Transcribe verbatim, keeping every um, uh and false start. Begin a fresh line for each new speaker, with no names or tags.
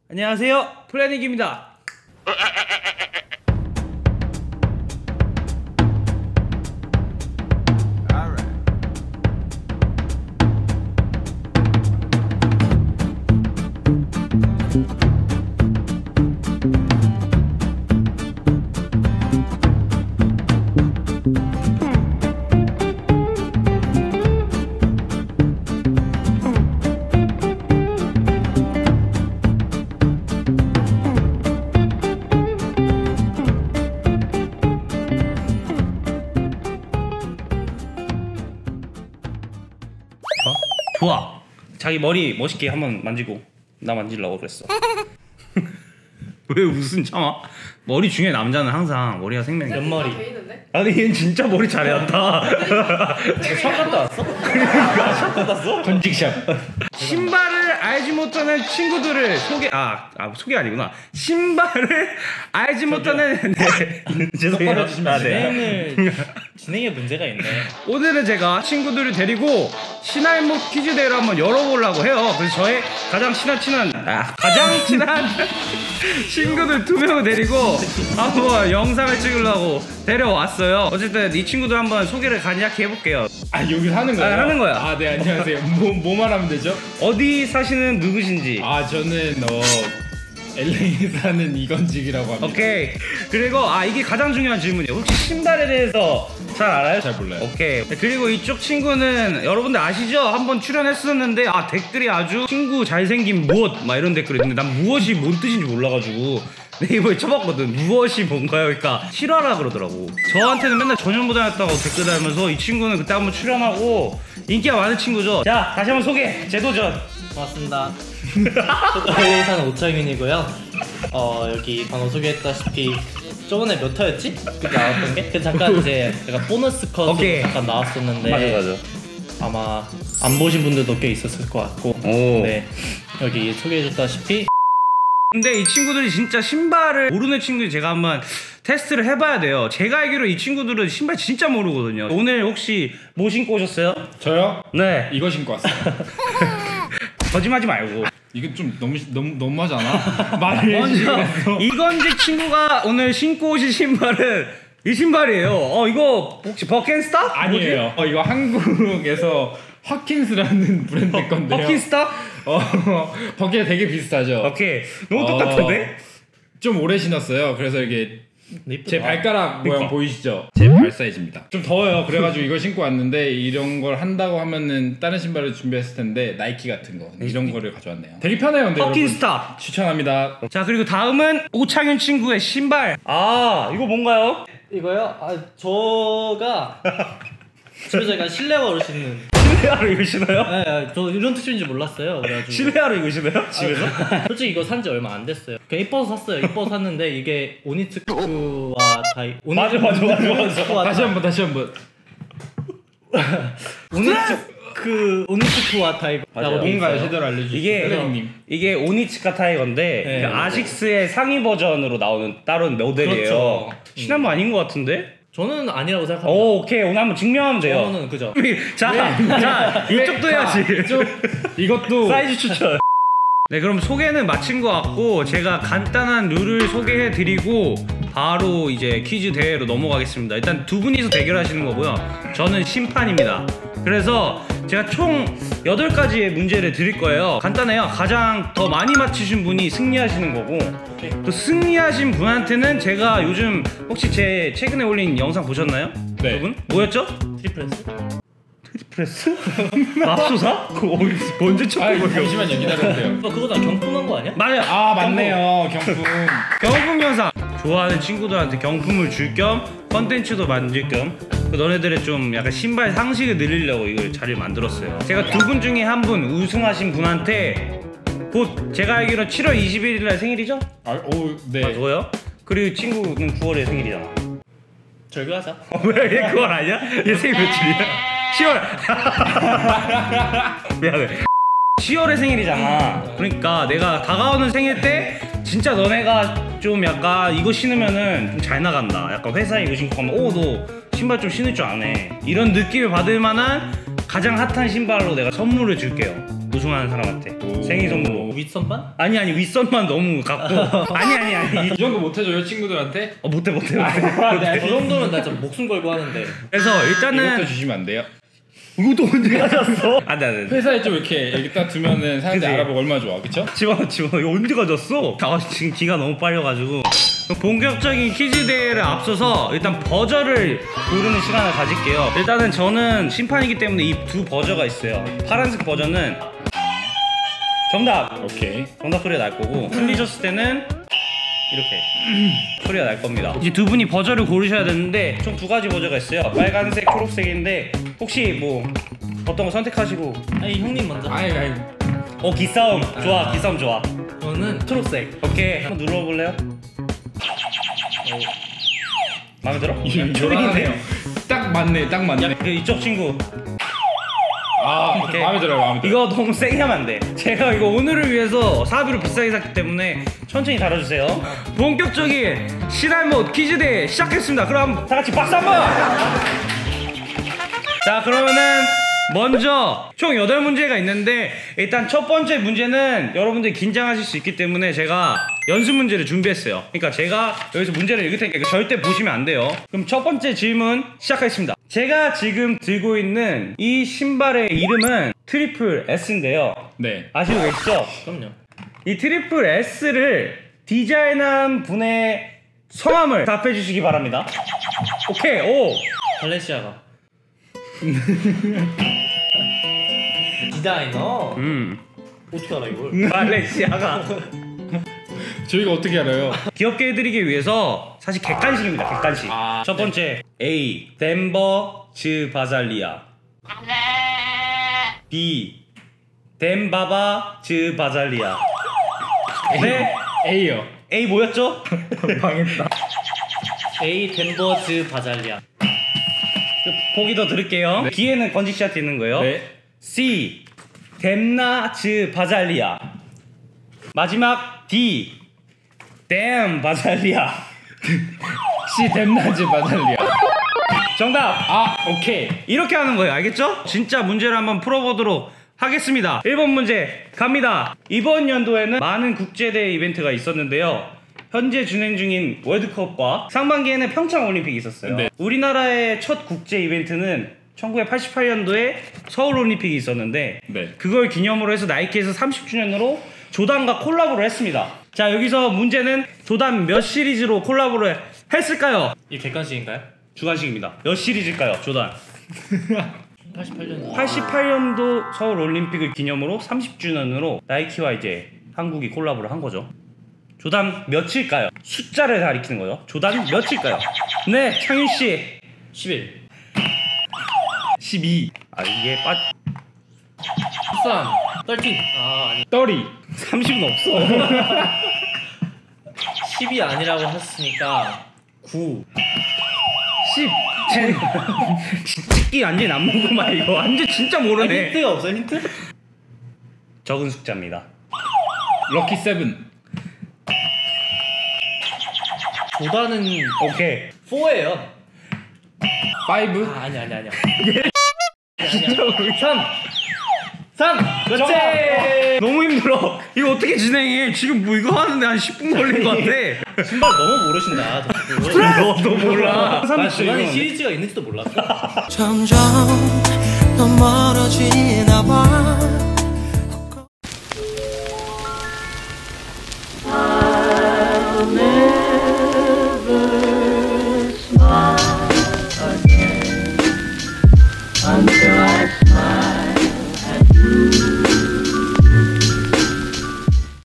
안녕하세요, 플래닝입니다. 좋아. 자기 머리 멋있게 한번 만지고 나 만지려고 그랬어. 왜 웃음 참아? 머리 중에 남자는 항상 머리가 생명이야.
옆머리.
아니 얘는 진짜 머리 잘해한다.
샵 갔다 왔어?
그러니까 샵 갔다 왔어?
건직샵.
신발을 알지 못하는 친구들을 소개 아, 아 소개 아니구나. 신발을 알지 못하는 네. 죄송해요.
똑바로 해주시면
아, 네.
진행을 진행에 문제가 있네.
오늘은 제가 친구들을 데리고 신할목 퀴즈 대회를 한번 열어보려고 해요. 그래서 저의 가장 친한 친한 아, 가장 친한 친구들 두 명을 데리고 한번 영상을 찍으려고 데려왔어요. 어쨌든 이 친구들 한번 소개를 간략히 해볼게요.
아 여기서 하는 거예요?
아, 하는 거야.
아 네 안녕하세요. 뭐, 뭐 말하면 되죠?
어디 사시는 누구신지.
아 저는 어 엘에이에 사는 이건직이라고 합니다.
오케이. 그리고 아 이게 가장 중요한 질문이에요. 혹시 신발에 대해서 잘 알아요?
잘 몰라요.
오케이. 그리고 이쪽 친구는 여러분들 아시죠? 한번 출연했었는데 아 댓글이 아주 친구 잘생긴 무엇 막 이런 댓글이 있는데 난 무엇이 뭔 뜻인지 몰라가지고 네이버에 쳐봤거든. 무엇이 뭔가요? 그러니까 실화라 그러더라고. 저한테는 맨날 전현무당했다고 댓글 달면서 이 친구는 그때 한번 출연하고 인기가 많은 친구죠. 자 다시 한번 소개. 재도전.
고맙습니다. 저도 엘에이 사는 오창윤이고요. 어 여기 방금 소개했다시피 저번에 몇 화였지? 그 나왔던 게? 그 잠깐 이제 약간 보너스 컷으로
오케이.
잠깐 나왔었는데
맞아 맞아.
아마 안 보신 분들도 꽤 있었을 것 같고.
오.
네 여기 소개해줬다시피
근데 이 친구들이 진짜 신발을 모르는 친구들이 제가 한번 테스트를 해봐야 돼요. 제가 알기로 이 친구들은 신발 진짜 모르거든요. 오늘 혹시 뭐 신고 오셨어요?
저요?
네.
이거 신고 왔어요.
거짓말하지 말고.
이건 좀 너무 너무 너무하잖아. 말을 해주시면서.
이건직 친구가 오늘 신고 오신 신발은 이 신발이에요. 어 이거 혹시 버켄스타?
아니에요. 어 이거 한국에서 허킨스라는 브랜드 건데요.
버킨스타?
어 버킷 되게 비슷하죠.
오케이. 너무
어,
똑같은데?
좀 오래 신었어요. 그래서 이게
이쁘다.
제 발가락 모양
그러니까.
보이시죠? 제 발 사이즈입니다. 좀 더워요. 그래가지고 이거 신고 왔는데 이런 걸 한다고 하면은 다른 신발을 준비했을 텐데 나이키 같은 거 이런 거를 가져왔네요. 되게 편해요. 근데
버킨스타.
여러분 추천합니다.
자 그리고 다음은 오창윤 친구의 신발. 아 이거 뭔가요?
이거요? 아 저가 집에서 약간 실내화로 신는.
실내화로 이거 신어요?
네, 네, 저 이런 뜻인지 몰랐어요. 그래가지고
실내화로 이거 신어요? 집에서?
솔직히 이거 산지 얼마 안 됐어요. 그냥 이뻐서 샀어요. 이뻐서 샀는데 이게 오니츠크와 다이
맞아, 맞아, 맞아, 맞아.
다시 한번 다시 한번.
오니츠크 오니츠크와 다이라고
뭔가요? 제대로 알려주세요.
이게
선생님.
이게 오니츠카 타이거인데
네.
그 아식스의 상위 버전으로 나오는 다른 모델이에요.
그렇죠.
신한모 아닌 것 같은데?
저는 아니라고 생각합니다.
오, 오케이 오늘 한번 증명하면 돼요.
저는 그죠.
자, 자 이쪽도 해야지.
좀 이것도
사이즈 추천. 네, 그럼 소개는 마친 것 같고 제가 간단한 룰을 소개해드리고 바로 이제 퀴즈 대회로 넘어가겠습니다. 일단 두 분이서 대결하시는 거고요. 저는 심판입니다. 그래서 제가 총 여덟 가지의 문제를 드릴 거예요. 간단해요. 가장 더 많이 맞히신 분이 승리하시는 거고 또 승리하신 분한테는 제가 요즘 혹시 제 최근에 올린 영상 보셨나요?
네.
여러분? 뭐였죠?
트리플스?
트리프레스? 맙소사? 그거 어디서 언제
아
처음 보여?
잠시만요 기다려주세요.
어, 그거 다 경품한 거 아니야?
맞아요.
아 맞네요 경품.
경품 영상 좋아하는 친구들한테 경품을 줄 겸 컨텐츠도 만들 겸 그 너네들의 좀 약간 신발 상식을 늘리려고 이걸 자리를 만들었어요. 제가 두 분 중에 한 분 우승하신 분한테 곧 제가 알기로 칠월 이십일일 날 생일이죠?
아오 네.
아 그거요? 그리고 친구는 구월에 생일이잖아.
절교하자.
어, 왜? 얘 구월 아니야? 얘 생일 며칠이야? 시월. 미안해. 시월에 생일이잖아. 그러니까 내가 다가오는 생일 때 진짜 너네가 좀 약간 이거 신으면은 좀 잘 나간다. 약간 회사에 이거 신고 가면 오 너 신발 좀 신을 줄 아네. 이런 느낌을 받을 만한 가장 핫한 신발로 내가 선물을 줄게요. 우승하는 사람한테
오.
생일 선물로.
윗선반?
아니 아니 윗선만 너무 갖고. 아니 아니 아니.
이 정도 못 해줘요 친구들한테?
어, 못해 못해 못해.
저 정도면 나 진짜 목숨 걸고 하는데.
그래서
이것도
일단은
주시면 안 돼요?
이것도 언제 가졌어? 안돼 안돼.
회사에 좀 이렇게 여기 딱 두면은 사람들이
그치?
알아보고 얼마나 좋아, 그쵸?
집어 집어 이거 언제 가졌어? 아 지금 기가 너무 빨려가지고 본격적인 퀴즈 대회를 앞서서 일단 버저를 고르는 시간을 가질게요. 일단은 저는 심판이기 때문에 이 두 버저가 있어요. 파란색 버저는 정답.
오케이.
정답 소리가 날 거고 틀리셨을 때는 이렇게 소리가 날 겁니다. 이제 두 분이 버저를 고르셔야 되는데 총 두 가지 버저가 있어요. 빨간색, 초록색인데 혹시 뭐 어떤 거 선택하시고.
아니 형님 먼저.
아이 아이.
어 기싸움 좋아. 기싸움 좋아.
저는 초록색.
오케이 한번 눌러볼래요? 어. 마음에 들어?
초딩이네요. 딱 맞네, 딱 맞네.
그 이쪽 친구
아,
오케이.
마음에 들어요, 마음에 들어요.
이거 너무 세게 하면 안 돼. 제가 이거 오늘을 위해서 사비로 비싸게 샀기 때문에 천천히 다뤄주세요. 본격적인 시달못 퀴즈 대회 시작했습니다. 그럼 다 같이 박수 한번. 자 그러면은 먼저 총 여덟 문제가 있는데 일단 첫 번째 문제는 여러분들이 긴장하실 수 있기 때문에 제가 연습 문제를 준비했어요. 그러니까 제가 여기서 문제를 읽을 테니까 이거 절대 보시면 안 돼요. 그럼 첫 번째 질문 시작하겠습니다. 제가 지금 들고 있는 이 신발의 이름은 트리플 S인데요.
네.
아시고 계시죠?
그럼요.
이 트리플 S를 디자인한 분의 성함을 답해 주시기 바랍니다. 오케이. 오.
발렌시아가. 디자이너.
음.
어떻게 알아 이걸?
발렌시아가.
저희가 어떻게 알아요?
귀엽게 해드리기 위해서 사실 객관식입니다. 객관식.
아,
첫 번째 A. 덴버 즈 바잘리아. B. 덴바바 즈 바잘리아. 네.
A요.
A 뭐였죠?
망했다.
A 덴버즈 바잘리아.
보기 더 드릴게요.
네.
B에는 건직샷 있는 거예요.
네.
C. 뎀나즈 바잘리아. 마지막 D. 댐 바잘리아.
C 댐나즈 바달리아.
정답.
아, 오케이.
이렇게 하는 거예요. 알겠죠? 진짜 문제를 한번 풀어보도록 하겠습니다. 일 번 문제 갑니다. 이번 연도에는 많은 국제대회 이벤트가 있었는데요. 현재 진행 중인 월드컵과 상반기에는 평창올림픽이 있었어요.
네.
우리나라의 첫 국제 이벤트는 천구백팔십팔 년도에 서울올림픽이 있었는데
네.
그걸 기념으로 해서 나이키에서 삼십 주년으로 조단과 콜라보를 했습니다. 자 여기서 문제는 조단 몇 시리즈로 콜라보를 했을까요?
이 객관식인가요?
주관식입니다. 몇 시리즈일까요? 조단
팔십팔 년.
팔십팔 년도 서울올림픽을 기념으로 삼십 주년으로 나이키와 이제 한국이 콜라보를 한 거죠. 조단 몇일까요? 숫자를 가리키는 거예요. 조단 몇일까요? 네, 창윤씨.
십일.
십이. 아 이게 빠...
십삼. 십삼. 아 아니.
떨이.
삼십은 없어.
십이 아니라고 했으니까 구.
십. 찍기 완전 안 먹고만 이거 완전 진짜
아니,
모르네.
힌트가 없어요 힌트?
적은 숫자입니다.
럭키 세븐.
조단은
오케이.
사예요.
파이브.
아 아니 아니 아니야. 삼. 삼. 그렇지.
정답. 너무 힘들어. 이거 어떻게 진행해? 지금 뭐 이거 하는데 한 십 분 걸린 것 같아.
신발 너무 모르신다. 저
너, 너 몰라.
나 조단이 시리즈가 있는지도 몰랐어.
점점 더 멀어지나 봐.